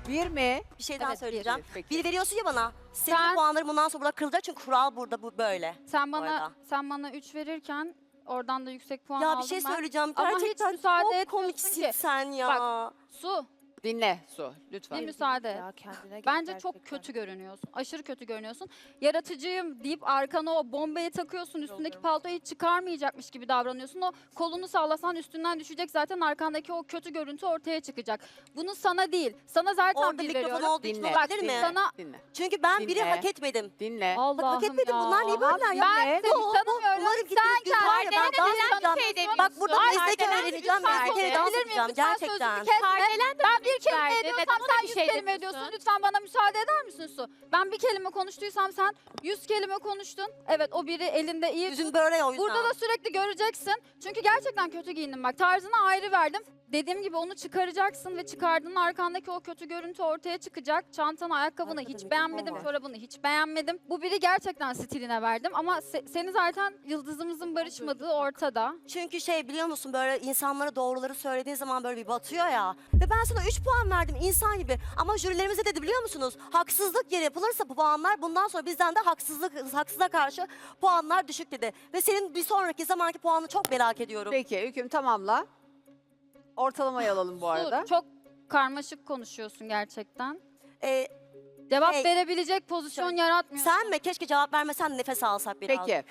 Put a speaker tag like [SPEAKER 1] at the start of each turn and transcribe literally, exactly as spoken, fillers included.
[SPEAKER 1] Bir mi?
[SPEAKER 2] Bir şey daha
[SPEAKER 3] Evet,
[SPEAKER 2] söyleyeceğim.
[SPEAKER 1] bir, peki.
[SPEAKER 2] Bir veriyorsun ya bana. Senin
[SPEAKER 3] Sen-
[SPEAKER 2] puanların bundan sonra burada kırılacak çünkü kural burada bu böyle.
[SPEAKER 3] Sen
[SPEAKER 2] Bu
[SPEAKER 3] bana
[SPEAKER 2] arada.
[SPEAKER 3] sen bana üç verirken oradan da yüksek puan
[SPEAKER 2] Ya
[SPEAKER 3] aldım
[SPEAKER 2] bir şey
[SPEAKER 3] ben.
[SPEAKER 2] söyleyeceğim.
[SPEAKER 3] Ama hiç
[SPEAKER 2] Gerçekten
[SPEAKER 3] müsaade
[SPEAKER 2] çok
[SPEAKER 3] etmiyorsun
[SPEAKER 2] komiksin
[SPEAKER 3] ki.
[SPEAKER 2] sen ya.
[SPEAKER 3] Bak, Su,
[SPEAKER 1] Dinle Su lütfen.
[SPEAKER 3] bir müsaade et.
[SPEAKER 4] Ya kendine gel
[SPEAKER 3] Bence çok
[SPEAKER 4] gerçekten.
[SPEAKER 3] kötü görünüyorsun. Aşırı kötü görünüyorsun. Yaratıcıyım deyip arkana o bombayı takıyorsun. Üstündeki paltoyu hiç çıkarmayacakmış gibi davranıyorsun. O kolunu sallasan üstünden düşecek, zaten arkandaki o kötü görüntü ortaya çıkacak. Bunu sana değil. Sana zaten
[SPEAKER 2] Orada
[SPEAKER 3] bir
[SPEAKER 2] mikrofon
[SPEAKER 3] veriyorum.
[SPEAKER 2] olduğu için
[SPEAKER 1] Dinle.
[SPEAKER 3] Bak,
[SPEAKER 2] olabilir mi?
[SPEAKER 1] dinle,
[SPEAKER 3] sana-
[SPEAKER 1] dinle.
[SPEAKER 2] Çünkü ben biri
[SPEAKER 1] Dinle.
[SPEAKER 2] hak etmedim.
[SPEAKER 1] Dinle.
[SPEAKER 3] Allah'ım
[SPEAKER 2] Bak hak etmedim.
[SPEAKER 3] ya.
[SPEAKER 2] Bunlar niye böyle ya?
[SPEAKER 3] Ben
[SPEAKER 2] Ne?
[SPEAKER 3] seni
[SPEAKER 2] Bu- bu-
[SPEAKER 3] tanımıyorum.
[SPEAKER 2] Umarım
[SPEAKER 3] Sen
[SPEAKER 2] gittiğiniz gün var ya ben
[SPEAKER 3] kendine
[SPEAKER 2] dans
[SPEAKER 3] neden
[SPEAKER 2] edeceğim.
[SPEAKER 3] şey demiyorsun?
[SPEAKER 2] Bak burada
[SPEAKER 3] Ay,
[SPEAKER 2] meslek
[SPEAKER 3] Kardelen,
[SPEAKER 2] öğreneceğim.
[SPEAKER 3] lütfen
[SPEAKER 2] Bir kere dans
[SPEAKER 3] konuşabilir miyim?
[SPEAKER 2] edeceğim
[SPEAKER 3] Lütfen
[SPEAKER 2] gerçekten.
[SPEAKER 3] sözümü kesme.
[SPEAKER 4] Kardelen de
[SPEAKER 3] Ben bir kelime
[SPEAKER 4] verdi.
[SPEAKER 3] ediyorsam
[SPEAKER 4] Neden ona
[SPEAKER 3] sen
[SPEAKER 4] bir
[SPEAKER 3] yüz
[SPEAKER 4] şey
[SPEAKER 3] kelime
[SPEAKER 4] demiyorsun?
[SPEAKER 3] ediyorsun. Lütfen bana müsaade eder misin Su? Ben bir kelime konuştuysam sen yüz kelime konuştun. Evet, o biri elinde iyi.
[SPEAKER 2] Yüzüm böyle ya o yüzden.
[SPEAKER 3] Burada da sürekli göreceksin. Çünkü gerçekten kötü giyindim bak. Tarzına ayrı verdim. Dediğim gibi onu çıkaracaksın ve çıkardığın arkandaki o kötü görüntü ortaya çıkacak. Çantanı, ayakkabını
[SPEAKER 2] Arkada
[SPEAKER 3] hiç
[SPEAKER 2] mikrofon
[SPEAKER 3] beğenmedim,
[SPEAKER 2] var.
[SPEAKER 3] çorabını hiç beğenmedim. Bu biri gerçekten stiline verdim ama se- seni zaten yıldızımızın barışmadığı ortada.
[SPEAKER 2] Çünkü şey biliyor musun böyle insanlara doğruları söylediğin zaman böyle bir batıyor ya. Ve ben sana üç puan verdim insan gibi. Ama jürilerimize dedi biliyor musunuz? Haksızlık yeri yapılırsa bu puanlar bundan sonra bizden de haksızlık haksıza karşı puanlar düşük dedi. Ve senin bir sonraki zamanki puanını çok merak ediyorum.
[SPEAKER 1] Peki Hüküm tamamla. Ortalamayı alalım bu
[SPEAKER 3] Su,
[SPEAKER 1] arada.
[SPEAKER 3] çok karmaşık konuşuyorsun gerçekten.
[SPEAKER 2] Ee,
[SPEAKER 3] Cevap
[SPEAKER 2] Hey,
[SPEAKER 3] verebilecek pozisyon yaratmıyorsun.
[SPEAKER 2] sen mi? Keşke cevap vermesen nefes alsak biraz.
[SPEAKER 1] Peki.